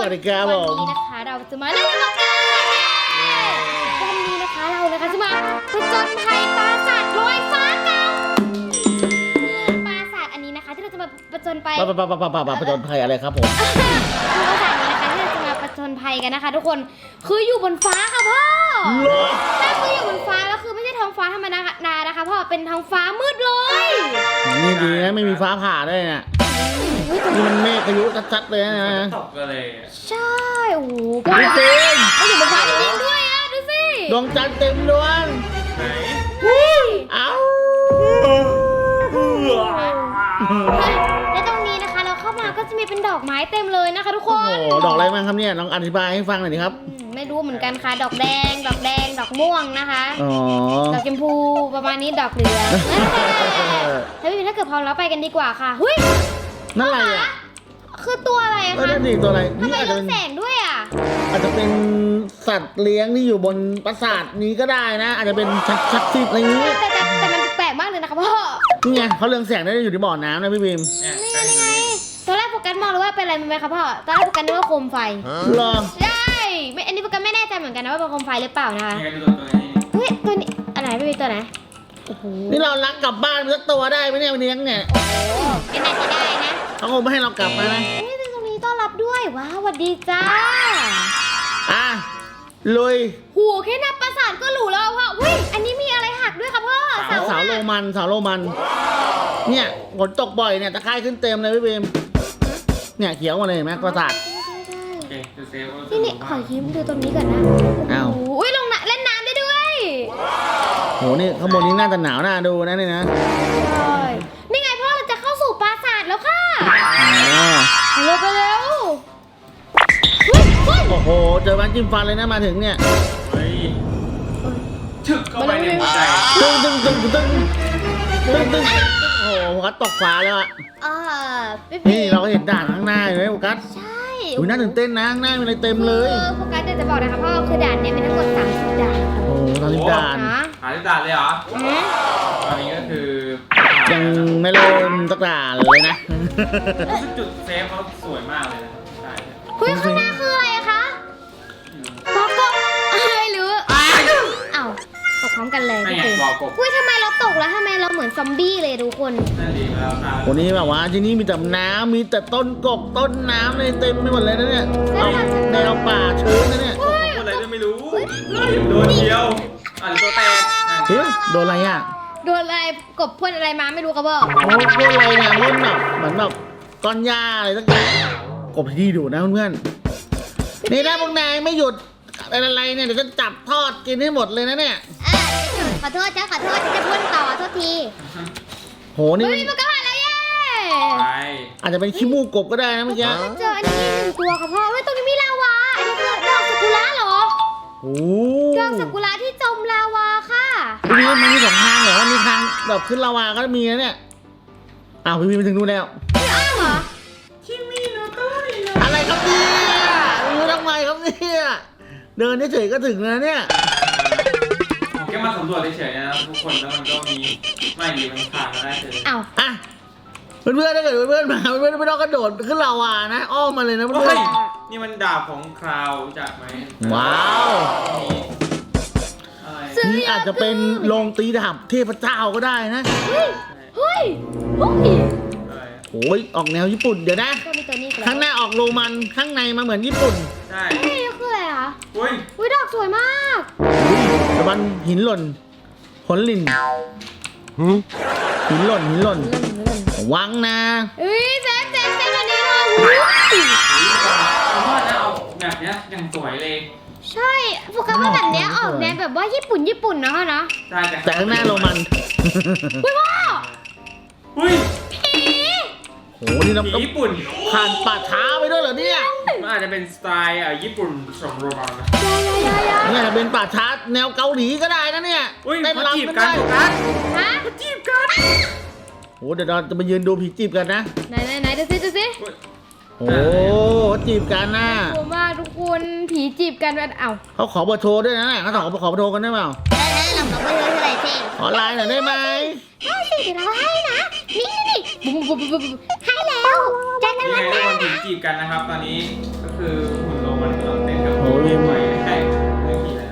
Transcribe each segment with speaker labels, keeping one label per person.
Speaker 1: วัสดีครับผม
Speaker 2: วันนี้นะคะเราจะมาเล่นกับกันวันนี้นะคะเรานะคะจะมาผจญภัยปราสาทลอยฟ้ากันปราสาทอันนี้นะคะที่เราจะมาผจญไป
Speaker 1: ผจญภัยอะไรครับผม
Speaker 2: ปราสาทนี้นะคะที่เราจะมาผจญภัยกันนะคะ ทุกคนคืออยู่บนฟ้าค่ะพ่อใช่คืออยู่บนฟ้าแล้วคือไม่ใช่ท้องฟ้าธรรมดานะคะพ่อเป็นท้องฟ้ามืดเลย
Speaker 1: นี่ดีนะไม่มีฟ้าผ่าด้วยเนี่ยนี่มันเมฆพายุชัดๆเลยนะ
Speaker 3: ตกกันเลย
Speaker 2: ใช่โอ้โห
Speaker 1: จริง
Speaker 2: มันอยู่บนฟ้าจริงๆด้วยอ่ะดูสิ
Speaker 1: ดวงจันทร์เต็มดวง
Speaker 3: ไหน
Speaker 1: เอ้า
Speaker 2: และตรงนี้นะคะเราเข้ามาก็จะมีเป็นดอกไม้เต็มเลยนะคะทุกคน
Speaker 1: โอ้โหดอกอะไรบ้างครับเนี่ยลองอธิบายให้ฟังหน่อยดิครับ
Speaker 2: ไม่รู้เหมือนกันค่ะดอกแดงดอกม่วงนะคะดอกชมพูประมาณนี้ดอกเหลืองถ้าเกิดพร้อมแล้วไปกันดีกว่าค่ะเฮ้ย
Speaker 1: นั่นอะไรอ่ะ
Speaker 2: คือตัวอะไรคะ
Speaker 1: นั่นดิตัวอะไร
Speaker 2: ทำไมเรืองแสงด้วยอ่ะ
Speaker 1: อาจจะเป็นสัตว์เลี้ยงที่อยู่บนปราสาทนี้ก็ได้นะอาจจะเป็นชักซิดอะไรนี้
Speaker 2: แต่มันแปลกมากเลยนะคะพ่อ
Speaker 1: นี่ไงเขาเรืองแสงได้อยู่ที่บ่อน้ำนะพี่บีม
Speaker 2: นี่ไงตอนแรกโฟกัสมองเลยว่าเป็นอะไรไหมคะพ่อตอนแรกโฟกัสนึกว่าโคมไฟ
Speaker 1: หรอ
Speaker 2: ใช่อันนี้โฟกัสไม่แน่ใจเหมือนกันนะว่าเป็นโคมไฟหรือเปล่านะคะเฮ้ยตัวนี้อะไรไม่มีตัวไหน
Speaker 1: นี่เรารักกลับบ้านสักตัวได้ไหมเนี่ยวันนี้เนี่ย
Speaker 2: โอ้ไม่น่าจะได้นะ
Speaker 1: เขาคงไม่ให้เรากลับมานะ
Speaker 2: ตรงนี้ต้อนรับด้วยว้าวสวัสดีจ้า
Speaker 1: ลุย
Speaker 2: หูแค่นับปราสาทก็หรูแล้วพ่อเฮ้ยอันนี้มีอะไรหักด้วยครับพ่อ
Speaker 1: เสาโรมันเนี่ยฝนตกบ่อยเนี่ยตะไคร่ขึ้นเต็มเลยพี่เบมเนี่ยเขียวมาเลยเห็นไหมปราสาท
Speaker 2: นี่ขอยิ้มดูตรงนี้ก่อนนะ
Speaker 1: อ้าว
Speaker 2: อุ้ยลงเล่นน้ำได้ด้วย
Speaker 1: โหนี่ข้างบนนี้น่าจะหนาวน่าดูนะนี่นะ
Speaker 2: นี่ไงพ่อเราจะเข้าสู่ปราสาทแล้วค่ะเร็วไปเร็ว
Speaker 1: โอ้โหเจอบ้านจิ้มฟันเลยนะมาถึงเนี่ย
Speaker 3: ถึกเข้าไปในหัวใจ
Speaker 1: ตึ้งโอ้โหกัสตกฟ้าแล้วอ่ะนี่เราเห็นด่านข้างหน้าอยู่ไหมโฟกัส
Speaker 2: ใช่
Speaker 1: อุ้ยน่าตื่นเต้นนะข้างหน้ามีอะไรเต็มเลย
Speaker 2: โฟกัสเดี๋ยวจะบอกนะคะพ่อคือด่านนี้มีทั้งหมด30ด่าน
Speaker 1: โอ้30ด่าน
Speaker 3: 30ด่านเลยเหรอตอนนี้ก็คือ
Speaker 1: ยังไม่เริ่มสักด่านเลยนะ
Speaker 3: จุดเซฟเขาสวยมากเลยนะใช่
Speaker 2: เฮ้ยข้างหน้าคืออะไรคะบอกกบไม่รู้อ้าวตกพร้อมกันเลย
Speaker 3: ไม่ไงบอกกบ
Speaker 2: อุ้ยทำไมเราตกแล้วทำไมเราเหมือนซอมบี้เลยทุกคน
Speaker 3: นั่นดีแล้วครับ
Speaker 1: วันนี้แบบว่าที่นี่มีแต่น้ำมีแต่ต้นกกต้นน้ำเลยเต็มไปหมดเลยนะเนี่ยแนวป่าชื้นนะเนี่ย
Speaker 3: อะไรก็ไม่รู้โดนเดียวตัวแตก
Speaker 1: เฮ้ยโดนอะไรอ่ะ
Speaker 2: โดนอะไรกบพ่นอะไรมาไม่รู้ครับพ่อ
Speaker 1: โดนอะไรเนี่ยพ่นแบบเหมือนแบบก้อนหญ้าอะไรสักอย่างกบที่ดูนะเพื่อนๆนี่ถ้าพวกนายไม่หยุดอะไรเนี่ยเดี๋ยวจะจับทอดกินให้หมดเลยนะเนี่ย
Speaker 2: ขอโทษจะพ่นต่อโทษที
Speaker 1: โหนี่
Speaker 2: มันก็ผ่านแล้วเย้
Speaker 1: อาจจะเป็นขี้มูกกบก็ได้นะเมื่อกี้
Speaker 2: เจออันนี้1ตัวครับพ่อเฮ้ยตรงนี้มีลาวาอันนี้คือดอกซากุระเหรอ
Speaker 1: โอ้
Speaker 2: ดอกซากุระที่จมลาวาค่ะ
Speaker 1: พี่มันมี2ทางเหรอมีทางแบบขึ้นลาวาก็มีนะเนี่ยอ้าวพี่ไปถึงนู่นแล้ว
Speaker 2: พี่อ้าวเหรอ
Speaker 1: อะไรครับเนี่ยรู้ทำไมครับเนี่ยเดินเฉยๆก็ถึงแล้วเนี่ย
Speaker 3: แค่มาสำรวจเฉยๆนะทุกคนแล้วมันก็มีไม่ดีมันผ่านมาได้เลย
Speaker 2: อ้าว
Speaker 1: เพื่อนๆถ้าเกิดเพื่อนๆมาเพื่อนๆไม่ต้องกระโดดขึ้นลาวานะอ้อมมาเลยนะเพื่อน
Speaker 3: ๆนี่มันดาบของคราวจากไหม
Speaker 1: ว้าวนี่อาจจะเป็นโรงตีดาบเทพเจ้าก็ได้นะ
Speaker 2: เฮ้ย
Speaker 1: โอ้ยออกแนวญี่ปุ่นเดี๋ยวนะข้างหน้าออกโรมันข้างในมาเหมือนญี่ปุ่น
Speaker 3: ใช่
Speaker 2: นี่คืออะไรคะ
Speaker 3: อุ้ย
Speaker 2: ดอกสวยมาก
Speaker 1: ตะวันหินหล่นผลลินหินหล่นวังนะ
Speaker 2: เซฟอันนี้มา
Speaker 3: ผมว่าจะเอาแบบนี้อย่างสวยเลย
Speaker 2: ใช่โฟกัสว่าแบบนี้ออกแนวแบบว่าญี่ปุ่นนะคะนะ
Speaker 1: แต่ข้างหน้าโรมัน
Speaker 2: อุ้ยพ่อ
Speaker 3: อุ้ย
Speaker 1: โหนี่เรา
Speaker 3: ญี่ปุ่น
Speaker 1: ผ่านป่าช้าไปด้วยเหรอเนี่ย
Speaker 3: มันอาจจะเป็นสไตล์ญี่ปุ่นสมโรมันนะ
Speaker 1: เนี่ยเป็นป่าช้าแนวเกาหลีก็ได้นะเนี่ย
Speaker 3: เต้นรำกันจีบกัน
Speaker 1: โอ้เดี๋ยวเราจะไปยืนดูผีจีบกันนะ
Speaker 2: ไหนดูสิ
Speaker 1: โอ้จีบกันนะ
Speaker 2: กลัวมากทุกคนผีจีบกัน
Speaker 1: เขาขอเบอร์โทรด้วยนะเขาขอเบอร์โทรกันได้เปล่า
Speaker 2: เราขอเบอร์โทรอะไรสิ
Speaker 1: ขอไลน์หน่อยได้ไหม
Speaker 2: ได้สิเดี๋ยวเราให้นะนี่ให้แล้ว
Speaker 3: แจ้งกันแล้วนะผีจีบกันนะครับตอนนี้ก็คคือหุ่นโรมันเราเต้นกับ
Speaker 1: โอ้ย
Speaker 3: ไหวใช่ไม่ผีเลยนะ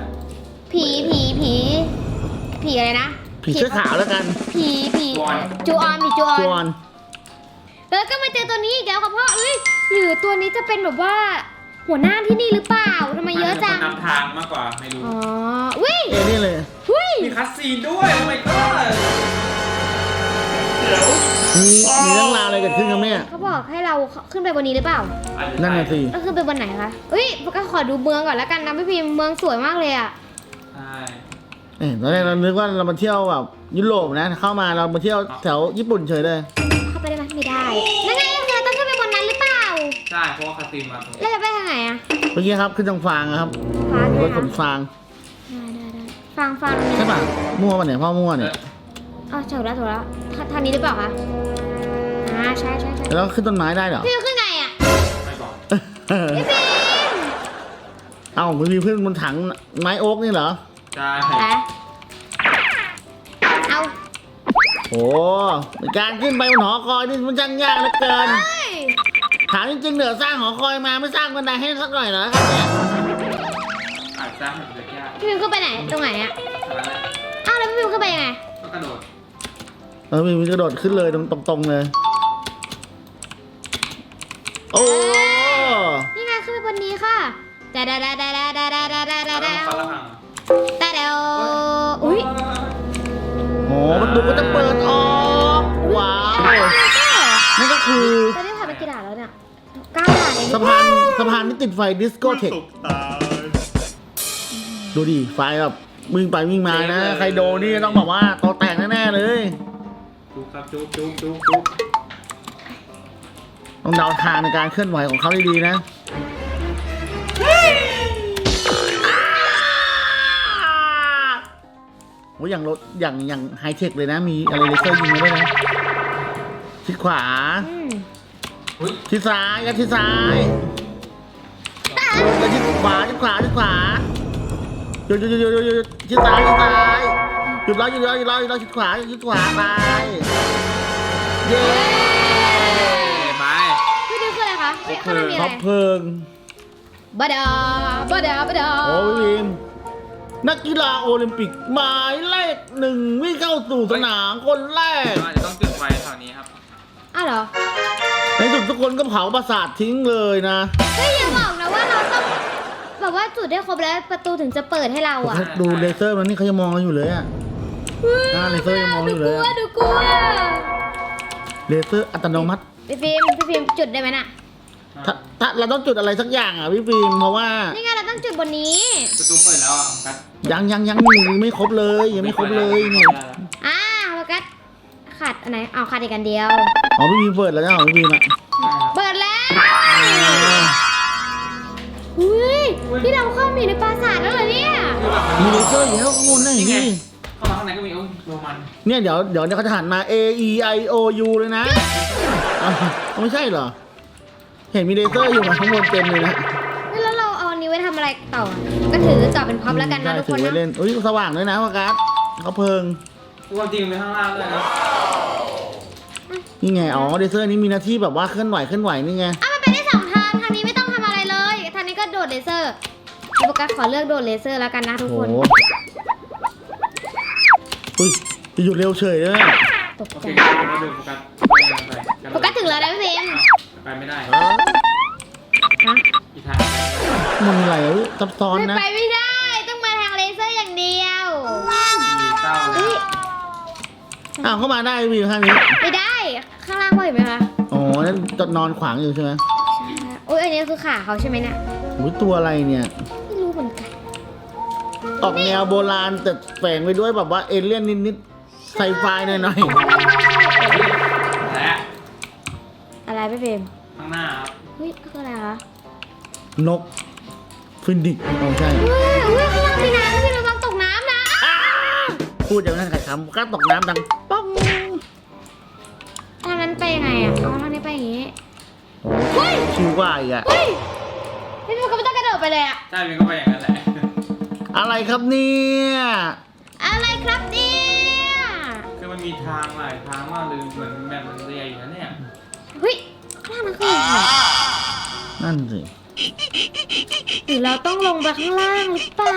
Speaker 2: ผีอะไรนะ
Speaker 1: ผีเสื้อขาวแล้วกัน
Speaker 2: ผีจูออน
Speaker 1: จวน
Speaker 2: แล้วก็มาเจอตัวนี้อีกแล้วค่ะพ่อเอ้ยหรือตัวนี้จะเป็นแบบว่าหัวหน้าที่นี่หรือเปล่าทำไมเยอะจัง
Speaker 3: นำทางมากกว่าไม่รู้
Speaker 2: อ๋อวิ
Speaker 1: เอนี่เลย
Speaker 2: วิ
Speaker 3: มีคัสซีนด้วยโอ้ my god เดี๋ยว
Speaker 1: มีเรื่องราวอะไรเกิดขึ้นครับเนี่ย
Speaker 2: เขาบอกให้เราขึ้นไปบนนี้หรือเปล่า
Speaker 1: นั่นน่ะสิ
Speaker 2: แล้วขึ้นไปบนไหนคะเอ้ยก็ขอดูเมืองก่อนแล้วกันนะพี่พิมพ์เมืองสวยมากเลยอ่ะ
Speaker 3: ใช่
Speaker 1: ตอนแรกเรานึกว่าเรามาเที่ยวแบบยุโรปนะ เข้ามาเรามาเที่ยวแถวญี่ปุ่นเฉยเลย
Speaker 2: เข้าไปได้ไหมไม่ได้นั่นไงเราต้องขึ้นไปบนนั้นหรือเปล่า
Speaker 3: ใช่เพราะว่าคัสซีนมาตรง
Speaker 2: แล้วจะไปทางไหนอ่ะ
Speaker 1: เมื่อกี้ครับขึ้นทางฟางครับ
Speaker 2: ฟ้าร
Speaker 1: ถขนฟาง
Speaker 2: ได้ฟัง
Speaker 1: ใช่ป่ะมั่วป่ะเนี่ยพ่อมั่วเนี่ย
Speaker 2: อ๋อถูกแล้วทางนี้หรือเปล่าคะใช่
Speaker 1: แล้วขึ้นต้นไม้ได้เหรอ
Speaker 2: พี่ขึ้นไงอ่ะ
Speaker 3: ไม่บอก
Speaker 2: พี่พิมพ์
Speaker 1: เอ้ามันมีเพื่อนบนถังไม้โอ๊กนี่เหรอ
Speaker 3: ใช่
Speaker 2: เอา
Speaker 1: โอ้การขึ้นไปบนหอคอยนี่มันจังยากเหลือเกิน
Speaker 2: เฮ้ย
Speaker 1: ถามจริงๆเหนือสร้างหอคอยมาไม่สร้างบันไดให้สักหน่อยเหรอครับเนี่ย
Speaker 3: อาจจะแบบเล็กยาก
Speaker 2: พี่พิมพ์ขึ้นไปไหนตรงไหนอ่ะ
Speaker 3: อะไรนะ
Speaker 2: อ้าวแล้วพี่พิมพ์ขึ้นไปยังไง
Speaker 3: ก็กระโดด
Speaker 1: มีกระโดดขึ้นเลยตรงๆเลย โอ้
Speaker 2: นี่ไงขึ้นไปบนนี้ค่ะแต่เดา
Speaker 3: แล้วฟันละหัง
Speaker 2: อุ้ย
Speaker 1: โหประตูก็จะเปิดออกว้าวนั่นก็คือ
Speaker 2: ตอนนี้ผ่านไปกี่ด่านแล้วเนี่ย9 ด่านเอง
Speaker 1: สะพานที่ติดไฟดิสโก้เทคดูดิไฟแบบวิ่งไปวิ่งมานะ ใครโดนนี่ต้องบอกว่าโตแตกแน่ๆเลย
Speaker 3: จุ๊บครับจุ๊บ
Speaker 1: ต้องเดาทางในการเคลื่อนไหวของเขาดีๆนะโอ้ยอย่างรถอย่างไฮเทคเลยนะ มีอะไรเลเซอร์ยิงมาด้วยนะชิดขวา
Speaker 3: อุ้ย
Speaker 1: ชิดซ้ายกับชิดซ้ายแล้วชิดขวาหยุดชิดซ้ายหยุดรอชิดขวาไปเย้
Speaker 3: ไป
Speaker 2: พี่ดิวคืออะไรคะข้างหน้ามีอะ
Speaker 1: ท็
Speaker 2: ไร
Speaker 1: อปเพลิง
Speaker 2: บดา
Speaker 1: โอ้ยวิมนักกีฬาโอลิมปิกหมายเลข 1วิ่งเข้าสู่สนามคนแรก
Speaker 3: อาจจะต้องจุดไฟแถวนี้ครับ
Speaker 2: อ้าวเหรอ
Speaker 1: ในสุดทุกคนก็เผาปราสาททิ้งเลยนะ
Speaker 2: เฮ้ยอย่าบอกนะว่าเราต้องแบบว่าจุดได้ครบแล้วประตูถึงจะเปิดให้เราอ่ะ
Speaker 1: ดูเลเซอร์มันนี่เขายังมองเราอยู่เลยอะ เลเซอร์ยังมองอยู่เลยอะ
Speaker 2: ดูกลัว
Speaker 1: เลเซอร์อัตโนมัติ
Speaker 2: พี่ฟิล์มจุดได้ไหมน่ะ
Speaker 1: ถ้าเราต้องจุดอะไรสักอย่างอ่ะพี่ฟิล์มเพราะว่า
Speaker 2: นี่ไงเราต้องจุดบนนี้
Speaker 3: ประตูเปิดแล้วอ่ะกัส
Speaker 1: ยังไม่ครบเลยยังไม่ครบเลยนี่
Speaker 2: โฟกัสขาดอันไหนเอาขาดอีกอันเดียว
Speaker 1: อ๋อพี่ฟิล์มเปิดแล้วนะของพี่ฟิล์มอ่ะ
Speaker 2: เปิดแล้วอุ้ยที่เราเข้ามาอยู่ในปราสาทแล้วเหรอเนี่ย
Speaker 1: มีเลเซอร์อยู่แล้วข้างบนนะอย่างนี้
Speaker 3: เข้ามาข้างในก็มีโรมัน
Speaker 1: เนี่ยเดี๋ยวเขาจะหันมา A E I O U เลยนะอ้าวไม่ใช่เหรอ เห็นมีเลเซอร์อยู่ข้างบนเต็มเลยนะ
Speaker 2: แล้วเราเอาอันนี้ไว้ทำอะไรต่อ ก็ถือต่อเป็นพับแล้วกันนะ
Speaker 1: ได้
Speaker 2: ทุก
Speaker 1: ถื
Speaker 2: คน
Speaker 1: อไว้
Speaker 2: นะ
Speaker 1: เล่นอุ้ยสว่างด้วยนะวากัสเขาเพลิง
Speaker 3: ความจริงไปข้างล่างด้วยนะ
Speaker 1: นี่ไงอ๋อเลเซอร์นี้มีหน้าที่แบบว่าเคลื่อนไหวนี่ไง
Speaker 2: มันไปได้2 ทาง ทางนี้ไม่ต้องทำอะไรเลย ทางนี้ก็โดดเลเซอร์โฟกัสขอเลือกโดดเลเซอร์แล้วกันนะทุก
Speaker 1: โอ้
Speaker 2: คน
Speaker 1: โหอุ้ยจะหยุดเร็วเฉยเลยอะ
Speaker 2: ตก
Speaker 3: โอ
Speaker 2: ใจ
Speaker 3: เคมาดูโฟกัส
Speaker 2: โฟกัสถึงแล้วนะพี่เบม
Speaker 3: ไปไม่ได้
Speaker 2: ฮะ
Speaker 3: อีกทาง
Speaker 1: มันอะไรอ่ะอุ๊ยซับซ้อน
Speaker 2: ไม่
Speaker 1: นะ
Speaker 2: ไปไม่ได้ ต้องมาทางเลเซอร์อย่างเดียว
Speaker 3: มีเต้า
Speaker 2: เฮ้ย
Speaker 1: อ้าวเข้ามาได้วิวข้างนี้
Speaker 2: ไม่ได้ ข้างล่างพ่อเห็นไหมคะ
Speaker 1: อ๋อนั่นจะนอนขวางอยู่ใช่ไหม
Speaker 2: โอ้ยอันนี้คือขาเขาใช่ไหมเนี่ย
Speaker 1: อุ้ยตัวอะไรเนี่ย
Speaker 2: ไม่รู้เหมือนกัน
Speaker 1: ออกแนวโบราณแต่แฝงไปด้วยแบบว่าเอเลี่ยนนิดๆไซไฟหน่อย
Speaker 3: และ
Speaker 2: อะไรพี่เบม
Speaker 3: ข้างหน้าครับ
Speaker 2: เฮ้ยคืออะไรคะ
Speaker 1: ๆนกฟินดิกอ๋อใช่
Speaker 2: เฮ้ยข้างล่างมีน้ำพี่ระวังตกน้ำนะ
Speaker 1: พูดอย่างนั้นขายคำก็ตกน้ำดังป้อง
Speaker 2: ทางนั้นไปยังไงอ่ะเอาทางนี้ไปอย่างงี้
Speaker 1: โอ้ยชิวกว่าอีกอะ
Speaker 2: เฮ้ยพี่มันก็ไม่ต้องกระโดดไปเลยอ่ะ
Speaker 3: ใช่เป็นก็ไปอย่างนั้นแหละ
Speaker 1: อะไรครับเนี่ย
Speaker 2: อะไรครับเนี่ย
Speaker 3: คือมันมีทางหลายทางมากเลยเหมือนแบบมันใหญ่อยู่นะเนี่ย
Speaker 2: เฮ้ยข้างล่างนั่นคืออะไร
Speaker 1: นั่นสิ
Speaker 2: รือเราต้องลงไปข้างล่างหรือเปล่า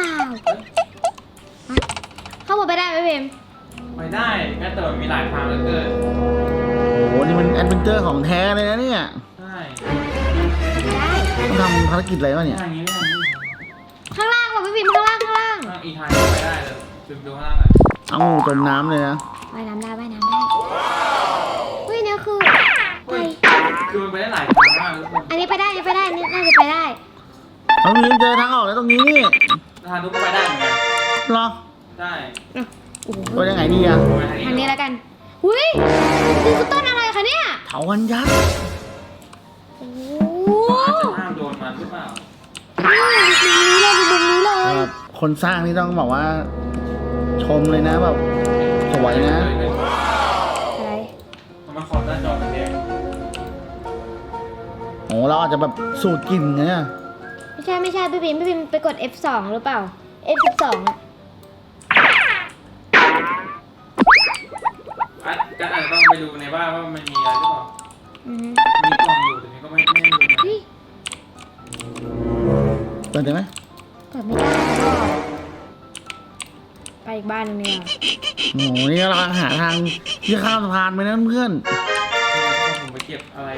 Speaker 2: เข้าบนไปได้ไหมเบม
Speaker 3: ไปได้ก็แต่มันมีหลายทางเหลือเกิน
Speaker 1: โอ้โหนี่มันแอดเวนเจอร์ของแท้เลยนะเนี่ย
Speaker 3: ใช่
Speaker 2: ได้
Speaker 1: ต้องทำภารกิจอะไรวะเนี่ย
Speaker 3: ทางนี้ไม่ทางนี้
Speaker 2: ข้างล่างว่ะพี่พิมข้างล่าง
Speaker 3: ทางอีกทางไปได้เลยดูข้างล่างหน่อย
Speaker 1: เอางูจมน้ำเลยนะ
Speaker 2: ว่ายน้ำได้เฮ้ยเนี่ยคือ
Speaker 3: เฮ้ย
Speaker 2: ไป
Speaker 3: คือมันไปได้หลายทางมากทุกคน
Speaker 2: อันนี้ไปได้นี่น่าจะไปได้
Speaker 1: เอาพิมเจอทางออกแล้วตรงนี้นี่
Speaker 3: ทางทุกก็ไปได้เหมือนกัน
Speaker 1: เหรอ
Speaker 3: ได้
Speaker 2: โอ้โห
Speaker 1: ไปยังไงดีอะ
Speaker 3: ไป
Speaker 2: ทางนี้แล้วกันอุ้ยนี่คือต้นอะไรคะเนี่ย
Speaker 1: เถาวันยักษ์
Speaker 2: โอ้
Speaker 3: อาจจะห้ามโดนมันหรือเปล่า
Speaker 2: มุมนี้เลยมุมนี้เลย
Speaker 1: แบบคนสร้างนี่ต้องบอกว่า ชมเลยนะแบบสวยนะ
Speaker 2: อะไร
Speaker 3: มันขอบหน้าจอเป็นแดง
Speaker 1: โอ้เราอาจจะแบบสูตรกลิ่นไงอะ
Speaker 2: ไม่ใช่พี่พิมไปกด F2 หรือเปล่า F12 อ่ะ
Speaker 3: ก็อาจจะต้องไปดูในบ้านว่ามันมีอะไรหรือเปล่า
Speaker 2: อือฮึ
Speaker 3: มีกล่องอยู่แต่นี่ก็ไม่รู้
Speaker 2: เฮ้ย
Speaker 1: เปิดได้ไหม
Speaker 2: กดไม่ได้แล้วก็ไปอีกบ้านหนึงเนี่ย
Speaker 1: โอ้โหนี่เราหาทางที่ข้ามสะพานไปนะเพื่อน
Speaker 3: ผมไปเก็บอะไร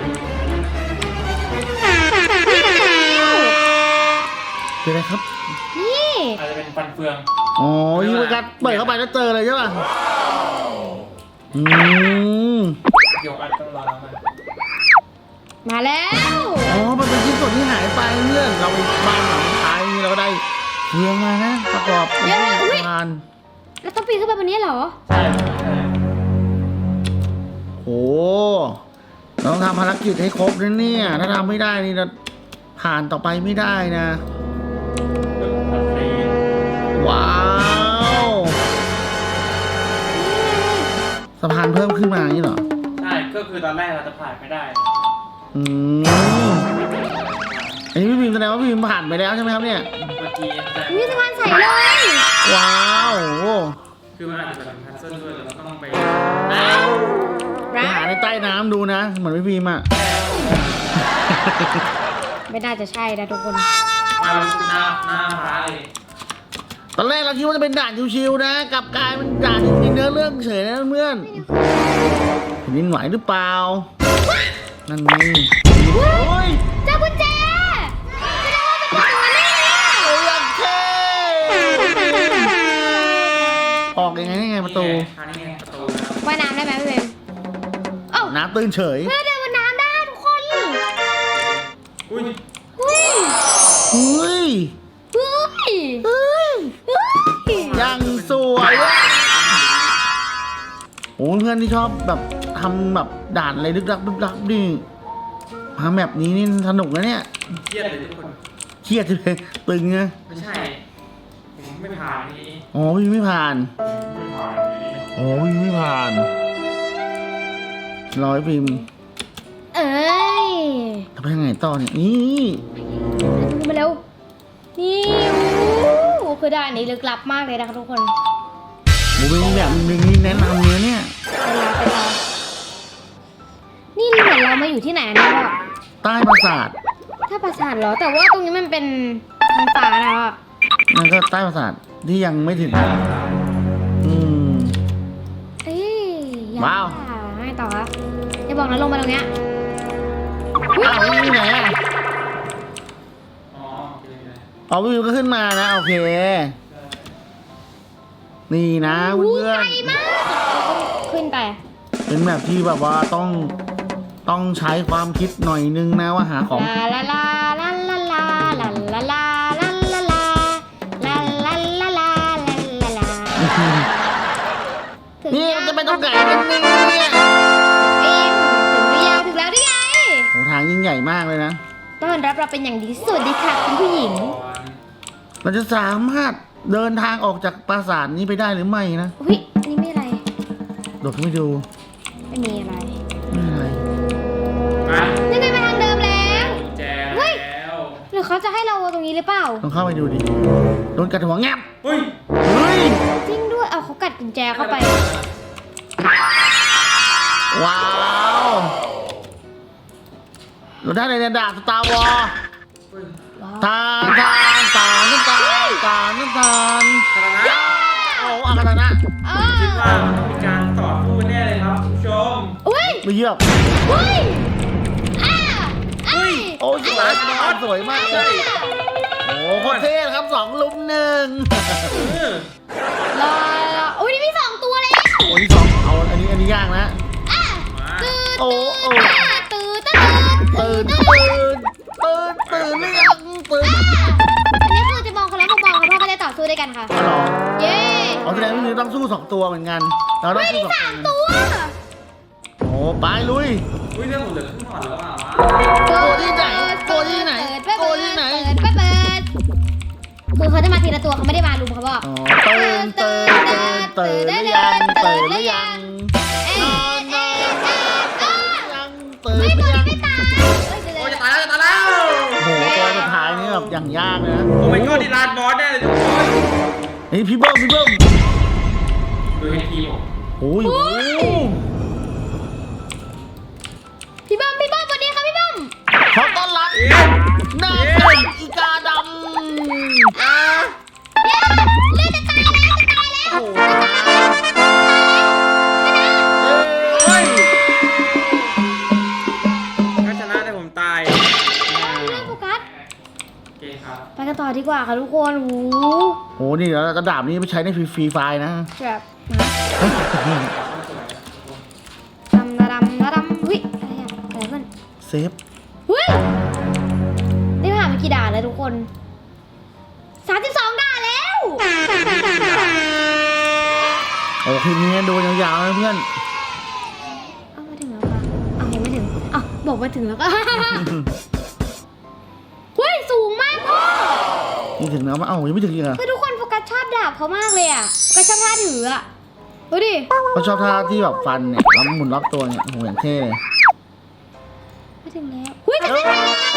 Speaker 1: เจออะไรครับ
Speaker 2: นี่
Speaker 3: อาจจะเป็นฟันเฟือง
Speaker 1: อ๋อยี่มันกัดเปิดเข้าไปแล้วเจอเลยใช่ป่ะอืม
Speaker 3: เกี่ยวอัดต้องรอมา
Speaker 2: มาแล้ว
Speaker 1: อ๋อมันเป็นชิ้นส่วนที่หายไปเพื่อนเราไปบ้านหลังท้ายนี่เราก็ได้เรืองมานะประกอบเป็นสะพาน
Speaker 2: แล้วต้องปีนขึ้นไปบนนี้เหรอ
Speaker 3: ใช่ใช่
Speaker 1: โหเราต้องทำภารกิจให้ครบนะเนี่ยถ้าทำไม่ได้นี่เราผ่านต่อไปไม่ได้นะ
Speaker 3: ตัดฟรี
Speaker 1: ว้าวสะพานเพิ่มขึ้นมาอย่างนี้เหรอ
Speaker 3: ใช่ก็คือตอนแรกเราจะผ่านไม่ได้
Speaker 1: อืมอันนี้พี่พิมพ์แสดงว่าพี่พิมพ์ผ่านไปแล้วใช่ไหมครับเนี่ย
Speaker 3: เมื่อกี้แต่
Speaker 2: นี่สะพานใสเลย
Speaker 1: ว้าว
Speaker 3: คือมันอาจจะเป็นพัซเซิลด้วยเราต้องไป
Speaker 1: ไปหาในใต้น้ำดูนะเหมือนพี่พิมพ์อะ
Speaker 2: ไม่น่าจะใช่นะทุกคน
Speaker 3: มาหน้าฟ้าเลย
Speaker 1: ตอนแรกเราคิดว่าจะเป็นด่านชิวๆนะกลับกลายเป็นด่านจริงๆเนื้อเรื่องเฉยนะเพื่อนแผ่นดินไหวหรือเปล่านั่นไงโอ้ย
Speaker 2: เจ้ากุญแจแสดงว่าเป็นของมันแน่เลยอะ
Speaker 1: โอ้ยอย่างเท่ออกยังไงนี่ไงประตู
Speaker 3: ทางนี้ไงประตู
Speaker 2: ว่ายน้ำได้ไหมพี่เบมเอ้า
Speaker 1: น้ำตื้นเฉย
Speaker 2: เพื่อเดินบนน้ำได้ทุกคน
Speaker 3: อุ้ย
Speaker 2: เฮ้ย
Speaker 1: เฮ้ย
Speaker 2: เฮ้ย
Speaker 1: เฮ้ย
Speaker 2: เฮ้ย
Speaker 1: ยังสวยอะโอ้เพื่อนที่ชอบแบบทำแบบด่านอะไรลึกลับลึกลับนี่มาแบบนี้นี่สนุกนะเนี่ย
Speaker 3: เครียดเลยทุกคน
Speaker 1: เครียดเลยตึงไง
Speaker 3: ไม่ใช่ผมไม่ผ่านนี้
Speaker 1: อ๋อพี่ไม่ผ่าน
Speaker 3: ไม่ผ่านนี้
Speaker 1: อ๋อพี่ไม่ผ่านร้อยพิมพ์
Speaker 2: เอ้ย
Speaker 1: ทำไปยังไงต่อเนี่ยนี่
Speaker 2: มาเร็วนี่โอ้คือด่านนี้ลึกลับมากเลยนะคะทุกคน
Speaker 1: หมูเป็นแบบหนึ่งนี่แนะนำเลยเนี่ย
Speaker 2: ไปรอนี่เหมือนเรามาอยู่ที่ไหนนะพ่อ
Speaker 1: ใต้ปราสาท
Speaker 2: ถ้าปราสาทเหรอ แต่ว่าตรงนี้มันเป็นทางป่าแล้วอ่ะ
Speaker 1: นั่นก็ใต้ปราสาทที่ยังไม่ถึงอืม
Speaker 2: เอ้ยยัง
Speaker 1: ว้าว
Speaker 2: ให้ต่อครับอย่าบอกนะลงมาตรงเนี้ยอุ๊ย
Speaker 1: อ้าวไม่มีไหนอ่ะ
Speaker 3: อ๋อโอเคเลย
Speaker 1: อ๋อวิวก็ขึ้นมานะ โอเค นี่นะ
Speaker 2: อู้
Speaker 1: เพื่อ
Speaker 2: ไกล
Speaker 1: น
Speaker 2: มากขึ้นไป
Speaker 1: ๆเป็นแบบที่แบบว่าต้องใช้ความคิดหน่อยนึงนะว่าหาของ
Speaker 2: ลาลาลาลาลาลาลาลาลาลาลาลาลาลาลาลาลาลาถึง
Speaker 1: นี่
Speaker 2: ยัง
Speaker 1: มันจะไปตรงไหนกันเนี่ย
Speaker 2: เอ็มถึงแล้วได้ไง
Speaker 1: โหทางยิ่งใหญ่มากเลยนะ
Speaker 2: ต้อนรับเราเป็นอย่างดีสวัสดีค่ะคุณผู้หญิง
Speaker 3: ก่อน
Speaker 1: เราจะสามารถเดินทางออกจากปราสาทนี้ไปได้หรือไม่นะ
Speaker 2: อุ้ยนี่ไม่อะไร
Speaker 1: โดดเข้าไปดู
Speaker 2: ไม่มีอะไร
Speaker 1: ไม่อะไร
Speaker 3: ไป
Speaker 2: นี่ไงมาทางเดิมแล้ว
Speaker 3: กุญแจ
Speaker 2: เฮ้ย
Speaker 3: แล้ว
Speaker 2: หรือเขาจะให้เราตรงนี้หรือเปล่า
Speaker 1: ต้องเข้าไปดูดิ โดนกัดหัวแงบ
Speaker 3: เฮ้ย
Speaker 1: เฮ้ย
Speaker 2: จริงด้วย เอาเขากัดกุญแจเข้าไป
Speaker 1: ว้าว เราได้ในดาบสตาร์วอร์
Speaker 3: เฮ้ย
Speaker 2: ว้
Speaker 1: ทานทานทานน้ำตาลทานน้ำตาล
Speaker 3: คณะ
Speaker 1: โอ้อาคานะ
Speaker 3: คิดว่ามันต้องมีการต่อสู้แน่เลยครับคุณผู้ชม
Speaker 2: อุ้ย
Speaker 1: ไม่เยี่ยม
Speaker 2: อุ้ยอ่าอ้ย
Speaker 1: โอ้สวยมากสวยมากเลยโอ้โคตรเท่ครับ2 ลุม 1
Speaker 2: รออุ้ยนี่มี2 ตัวแล้ว
Speaker 1: โอ้ที่สองเอาอันนี้ยากนะ
Speaker 2: อ่ะ
Speaker 3: มา
Speaker 2: ตื่น
Speaker 1: โอ้โอ้
Speaker 2: ตื่น
Speaker 1: ตื่นหรือยังตื่น
Speaker 2: อันนี้คือจะมองคนละมุมมองค่ะเพราะมันจะต่อสู้ด้วยกันค่ะ
Speaker 1: อ๋อเหรอ
Speaker 2: เย้
Speaker 1: เอาแสดงว่าต้องสู้2 ตัวเหมือนกันเราต้องสู้2 ตัว
Speaker 2: ตัว
Speaker 1: โอ้ไปลุย
Speaker 3: อุ้ยเรื่องผมเหลือครึ่งหลอดแล้วอ่ะ
Speaker 1: โกที่ไหนโกที่ไหนโกที่ไหน
Speaker 2: เปิดคือเขาจะมาทีละตัวเขาไม่ได้มารุมเขาบอก
Speaker 1: อ๋อตื่นหรือยังตื่นหรือยัง
Speaker 2: เอ๊ะ
Speaker 1: นอน
Speaker 2: เอ๊ะเอ๊ะเอ๊ะ
Speaker 1: ยังตื่น
Speaker 2: เฮ้ย
Speaker 1: ห
Speaker 2: บ
Speaker 1: รือ
Speaker 2: อ
Speaker 1: ยัง
Speaker 2: ลไม่ตาย
Speaker 3: โอ้ยจะตายแล้วจะตายแล้ว
Speaker 1: โอ้โหตัวสุดท้ายนี่แบบอย่างยากเลยนะ
Speaker 3: โอ้ my god นี่ลานบอสแน่เลยทุกคน
Speaker 1: นี่พี่เบิ้ม
Speaker 3: ดูให้ทีมผม
Speaker 1: โอ้ย
Speaker 2: พี่บอมวันนี้ค่ะพี่บอม
Speaker 1: ขอต้อนรับหน้าเป็นอีกาดำ
Speaker 3: อ่า
Speaker 2: เลือดจะตายแล้ว
Speaker 1: โอ้โห
Speaker 3: เฮ้ยถ้าชนะได้ผมตาย
Speaker 2: โฟกัส
Speaker 3: โอเคครับ
Speaker 2: ไปกันต่อดีกว่าค่ะทุกคนโอ้โห
Speaker 1: โหนี่แล้วระดับนี้ไปใช้ในฟรีไฟนะ
Speaker 2: แบบดำเฮ้ยอะไรอ่ะอะไรเพื่อน
Speaker 1: เซฟ
Speaker 2: เฮ้ยนี่ผ่านมากี่ด่านแล้วทุกคน32 ด่านแล้ว
Speaker 1: โอ้คืนนี้ดูยาวๆนะเพื่อน
Speaker 2: เอามาถึงแล้วค่ะเอายังไม่ถึงเอาบอกมาถึงแล้วก็ เฮ้ยสูงมากพ่อ
Speaker 1: นี่ถึงแล้วมั้ยเอ้ายังไม่ถึงอีกเหรอ
Speaker 2: คือทุกคนโฟกัสชอบดาบเขามากเลยอ่ะโฟกัสชอบท่าถืออ่ะดูดิ
Speaker 1: เขาชอบท่าที่แบบฟันเนี่ยแล้วหมุนรอบตัวเนี่ยโอ้โหอย่างเท่เลย
Speaker 2: มาถึงแล้วเฮ้ยจะได้ไหม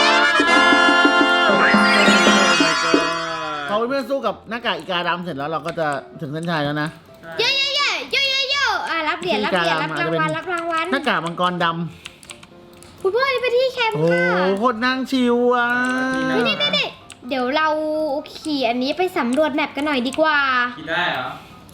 Speaker 1: พอเพื่อนๆสู้กับหน้ากากอีกาดำเสร็จแล้วเราก็จะถึงเส้นชัยแล้วนะ
Speaker 2: เย้อ่ะรับเหรียญรับรางวัล
Speaker 1: หน้ากากมังกรด
Speaker 2: คุณพ่อนี่ไปที่แคม
Speaker 1: ำ
Speaker 2: ป์
Speaker 1: โอ้
Speaker 2: ค่ะ
Speaker 1: โหโคตรนั่งชิวอ่ะ
Speaker 2: นี่เดี๋ยวเราขี่อันนี้ไปสำรวจแมปกันหน่อยดีกว่า
Speaker 3: กินได้เหรอ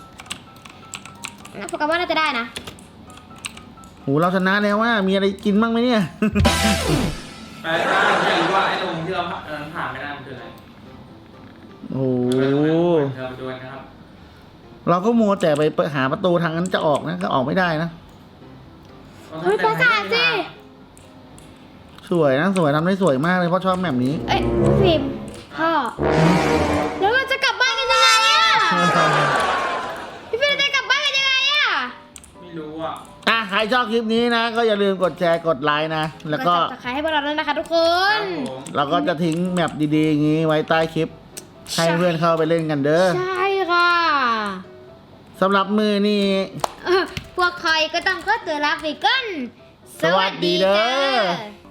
Speaker 2: โฟกัสว่าน่าจะได้นะ
Speaker 1: โหเราชนะแล้วว่ามีอะไรกินบ้างไหมเนี่ย
Speaker 3: ไปถ้าอยากรู้ว่าไอ้ตรงที่เราผ่านไม่ได้มันคืออะไร
Speaker 1: โอ้
Speaker 3: เราดูนะครับ
Speaker 1: เราก็มัวแต่ไปหาประตูทางนั้นจะออกนะก็ออกไม่ได้นะ
Speaker 2: เฮ้ยปราสาทสิ
Speaker 1: สวยนะสวยทำได้สวยมากเลยเพราะชอบแบบนี้
Speaker 2: เอ้ยพี่ฟิล์มพ่อแล้วเราจะกลับบ้านกันยังไงอ่ะพี่ฟิล์มจะกลับบ้านกันยังไงอ่ะ
Speaker 3: ไม่รู้อ่ะ
Speaker 1: ใครชอบคลิปนี้นะ ก็อย่าลืมกดแชร์กดไลค์นะ แล้วก็
Speaker 2: จับตะไคร้ให้พวกเราด้วยนะคะทุกค
Speaker 3: คน รับผม
Speaker 1: เราก็จะทิ้งแมปดีๆอย่างนี้ไว้ใต้คลิป ให้เพื่อนเข้าไปเล่นกันเด้อ
Speaker 2: ใช่ค่ะ
Speaker 1: สำหรับมือนี่
Speaker 2: พวกใครก็ต้องขอตัวลาไปก่อน
Speaker 1: สวัสดีเด้อ